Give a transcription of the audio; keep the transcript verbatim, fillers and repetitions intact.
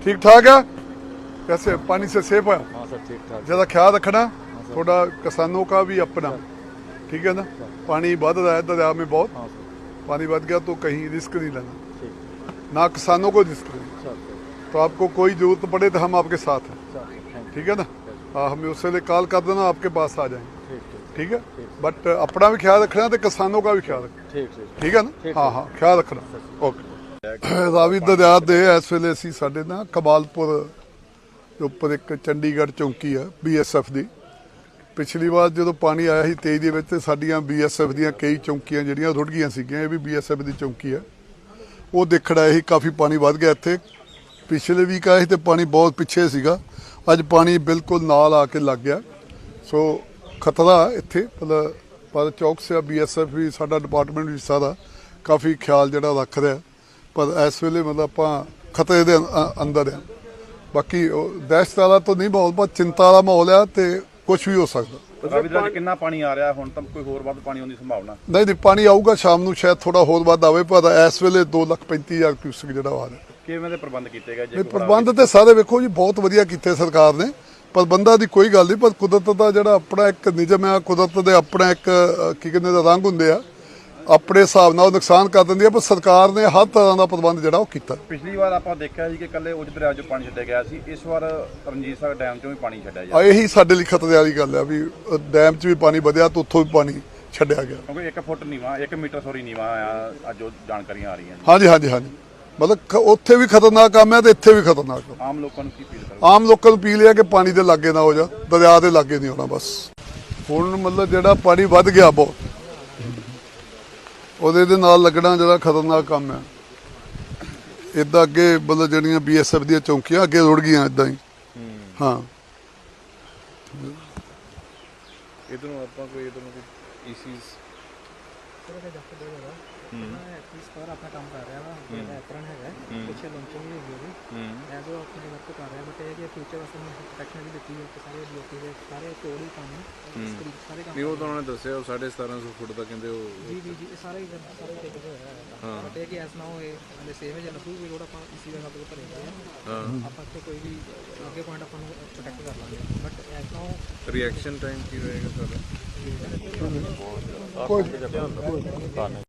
ठीक ठाक है? कैसे पानी से सेफ है? हाँ सर ठीक ठाक। ज़्यादा ख्याल रखना थोड़ा, किसानों का भी अपना, ठीक है ना। पानी बढ़ रहा है दरिया में बहुत, हाँ सर पानी बढ़ गया तो कहीं रिस्क नहीं लेना, ठीक ना किसानों को रिस्क लेना। सर तो आपको कोई जरूरत पड़े तो हम आपके साथ हैं, सर थैंक ठीक है ना। हाँ, हमें उससे लिए कॉल कर देना, आपके पास आ जाएंगे, ठीक ठीक ठीक है। बट अपना भी ख्याल रखना तो किसानों का भी ख्याल रखना, ठीक ठीक ठीक है ना। हाँ हाँ ख्याल रखना, ओके। ਰਾਵੀ ਦਰਿਆ ਦੇ ਇਸ ਵੇਲੇ ਅਸੀਂ ਸਾਡੇ ਨਾ ਕਮਾਲਪੁਰ ਦੇ ਉੱਪਰ ਇੱਕ ਚੰਡੀਗੜ੍ਹ ਚੌਂਕੀ ਆ ਬੀਐਸਐਫ ਦੀ। ਪਿਛਲੀ ਵਾਰ ਜਦੋਂ ਪਾਣੀ ਆਇਆ ਸੀ ਤੇਈ ਦੇ ਵਿੱਚ ਤੇ ਸਾਡੀਆਂ ਬੀਐਸਐਫ ਦੀਆਂ ਕਈ ਚੌਂਕੀਆਂ ਜਿਹੜੀਆਂ ਰੁੜ ਗਈਆਂ ਸੀਗੀਆਂ, ਇਹ ਵੀ ਬੀਐਸਐਫ ਦੀ ਚੌਂਕੀ ਆ। ਉਹ ਦੇਖਣ ਆਏ ਸੀ, ਕਾਫੀ ਪਾਣੀ ਵੱਧ ਗਿਆ ਇੱਥੇ। ਪਿਛਲੇ ਵੀਕ ਆਏ ਸੀ ਤੇ ਪਾਣੀ ਬਹੁਤ ਪਿੱਛੇ ਸੀਗਾ, ਅੱਜ ਪਾਣੀ ਬਿਲਕੁਲ ਨਾਲ ਆ ਕੇ ਲੱਗ ਗਿਆ। ਸੋ ਖਤਰਾ ਇੱਥੇ ਮਤਲਬ ਪਰ ਚੌਕਸਿਆ ਬੀਐਸਐਫ ਵੀ, ਸਾਡਾ ਡਿਪਾਰਟਮੈਂਟ ਵੀ ਸਾਰਾ ਕਾਫੀ ਖਿਆਲ ਜਿਹੜਾ ਰੱਖ ਰਿਹਾ। ਪਰ ਇਸ ਵੇਲੇ ਮਤਲਬ ਆਪਾਂ ਖਤਰੇ ਦੇ ਅੰਦਰ ਆ। ਬਾਕੀ ਦਹਿਸ਼ਤ ਵਾਲਾ ਤਾਂ ਨਹੀਂ ਮਾਹੌਲ, ਪਰ ਚਿੰਤਾ ਵਾਲਾ ਮਾਹੌਲ ਆ ਤੇ ਕੁਝ ਵੀ ਹੋ ਸਕਦਾ। ਰਾਵੀ ਦਰਿਆ 'ਚ ਕਿੰਨਾ ਪਾਣੀ ਆ ਰਿਹਾ ਹੁਣ? ਤਾਂ ਕੋਈ ਹੋਰ ਵੱਧ ਪਾਣੀ ਆਉਣ ਦੀ ਸੰਭਾਵਨਾ? ਨਹੀਂ ਨਹੀਂ, ਪਾਣੀ ਆਊਗਾ ਸ਼ਾਮ ਨੂੰ, ਸ਼ਾਇਦ ਥੋੜਾ ਹੋਰ ਵੱਧ ਆਵੇ, ਪਰ ਇਸ ਵੇਲੇ ਦੋ ਲੱਖ ਪੈਂਤੀ ਹਜ਼ਾਰ ਕਿਊਸਕ ਜਿਹੜਾ ਆ ਰਿਹਾ। ਕਿਵੇਂ ਦੇ ਪ੍ਰਬੰਧ ਕੀਤੇ ਗਏ? ਇਹ ਪ੍ਰਬੰਧ ਤੇ ਸਾਰੇ ਵੇਖੋ ਜੀ ਬਹੁਤ ਵਧੀਆ ਕੀਤੇ ਸਰਕਾਰ ਨੇ। ਪ੍ਰਬੰਧਾਂ ਦੀ ਕੋਈ ਗੱਲ ਨਹੀਂ, ਪਰ ਕੁਦਰਤ ਦਾ ਜਿਹੜਾ ਆਪਣਾ ਇੱਕ ਨਿਯਮ ਆ, ਕੁਦਰਤ ਦੇ ਆਪਣਾ ਇੱਕ ਕੀ ਕਹਿੰਦੇ ਦਾ ਰੰਗ ਹੁੰਦੇ ਆ, ਆਪਣੇ ਹਿਸਾਬ ਨਾਲ ਉਹ ਨੁਕਸਾਨ ਕਰ ਦਿੰਦੀ ਆ। ਪਰ ਸਰਕਾਰ ਨੇ ਹਰ ਤਰ੍ਹਾਂ ਦਾ ਪ੍ਰਬੰਧ ਜਿਹੜਾ ਉਹ ਕੀਤਾ। ਪਿਛਲੀ ਵਾਰ ਆਪਾਂ ਦੇਖਿਆ ਸੀ ਕਿ ਕੱਲੇ ਉਜ ਦਰਿਆ 'ਚੋਂ ਪਾਣੀ ਛੱਡਿਆ ਗਿਆ ਸੀ, ਇਸ ਵਾਰ ਰਣਜੀਤ ਸਾਗਰ ਡੈਮ 'ਚੋਂ ਵੀ ਪਾਣੀ ਛੱਡਿਆ ਆ ਜਾ ਇਹੀ ਸਾਡੇ ਲਈ ਖਤਰੇ ਵਾਲੀ ਗੱਲ ਆ ਵੀ ਡੈਮ 'ਚ ਵੀ ਪਾਣੀ ਵਧਿਆ ਤੇ ਉੱਥੋਂ ਵੀ ਪਾਣੀ ਛੱਡਿਆ ਗਿਆ। ਕਿਉਂਕਿ ਇੱਕ ਫੁੱਟ ਨੀਵਾ, ਇੱਕ ਮੀਟਰ ਸੋਰੀ ਨੀਵਾ ਆ ਅੱਜ ਉਹ ਜਾਣਕਾਰੀਆਂ ਆ ਰਹੀਆਂ ਨੇ। ਹਾਂਜੀ ਹਾਂਜੀ ਹਾਂਜੀ, ਮਤਲਬ ਖ- ਉੱਥੇ ਵੀ ਖਤਰਨਾਕ ਕੰਮ ਹੈ ਤੇ ਇੱਥੇ ਵੀ ਖਤਰਨਾਕ ਕੰਮ। ਆਮ ਲੋਕਾਂ ਨੂੰ ਕੀ ਅਪੀਲ ਕਰੋ? ਆਮ ਲੋਕਾਂ ਨੂੰ ਅਪੀਲ ਹੈ ਕਿ ਪਾਣੀ ਦੇ ਲਾਗੇ ਨਾ ਹੋ ਜਾ, ਦਰਿਆ ਦੇ ਲਾਗੇ ਨਹੀਂ ਹੋਣਾ ਬਸ। ਹੁਣ ਮਤਲਬ ਜਿਹੜਾ ਪਾਣੀ ਵੱਧ ਗਿਆ ਬਹੁਤ, ਉਹਦੇ ਦੇ ਨਾਲ ਲੱਗਣਾ ਜਿਹੜਾ ਖਤਰਨਾਕ ਕੰਮ ਹੈ। ਇੱਦਾਂ ਅੱਗੇ ਮਤਲਬ ਜਿਹੜੀਆਂ ਬੀਐਸਐਫ ਦੀਆਂ ਚੌਂਕੀਆਂ ਅੱਗੇ ਰੁੜ ਗਈਆਂ ਇੱਦਾਂ ਹੀ। ਹਾਂ, ਇਧਰੋਂ ਆਪਾਂ ਕੋਈ ਇਧਰੋਂ ਕੋਈ ਈਸੀਜ਼ ਸਰ ਆਪਣਾ ਕੰਮ ਕਰ ਰਿਹਾ ਵਾ, ਜਿਹੜਾ ਐਪਰਨ ਹੈਗਾ ਪਿੱਛੇ ਲਾਂਚਿੰਗ ਵੀ ਹੈਗੀ ਉਹਦੀ, ਐਜ਼ ਉਹ ਆਪਣੇ ਵਰਕ ਕਰ ਰਿਹਾ। ਬਟ ਇਹ ਕਿ ਫਿਊਚਰ ਵਾਸਤੇ ਨੂੰ ਪ੍ਰੋਟੈਕਸ਼ਨ ਵੀ ਦਿੱਤੀ ਹੈ ਕਿ ਸਾਰੇ ਡੀਓਪੀ ਦੇ ਸਾਰੇ ਤੋੜ ਹੀ ਕੰਮ ਸਾਰੇ ਕੰਮ। ਨਹੀਂ ਉਹ ਤਾਂ ਉਹਨਾਂ ਨੇ ਦੱਸਿਆ ਉਹ ਸਾਢੇ ਸਤਾਰਾਂ ਸੌ ਫੁੱਟ ਦਾ ਕਹਿੰਦੇ ਉਹ ਜੀ ਜੀ ਜੀ ਇਹ ਸਾਰੇ ਹੀ ਸਾਰੇ ਟੇਕ ਹੋਇਆ ਹੈ। ਬਟ ਇਹ ਕਿ ਐਸ ਨਾ ਹੋਏ ਹਲੇ ਸੇਵ ਹੈ ਜਾਂ ਨਸੂ ਵੀ ਰੋਡ ਆਪਾਂ ਇਸੀ ਦਾ ਸਾਡੇ ਕੋਲ ਭਰੇ ਹੋਏ ਆ। ਆਪਾਂ ਇੱਥੇ ਕੋਈ ਵੀ ਅੱਗੇ ਪੁਆਇੰਟ ਆਪਾਂ ਨੂੰ ਪ੍ਰੋਟੈਕਟ ਕਰ ਲਾਂਗੇ। ਬਟ ਐਸ ਨਾ ਹੋ ਰਿਐਕਸ਼ਨ ਟਾਈਮ ਕੀ ਰਹੇਗਾ ਸਾਡਾ? ਕੋਈ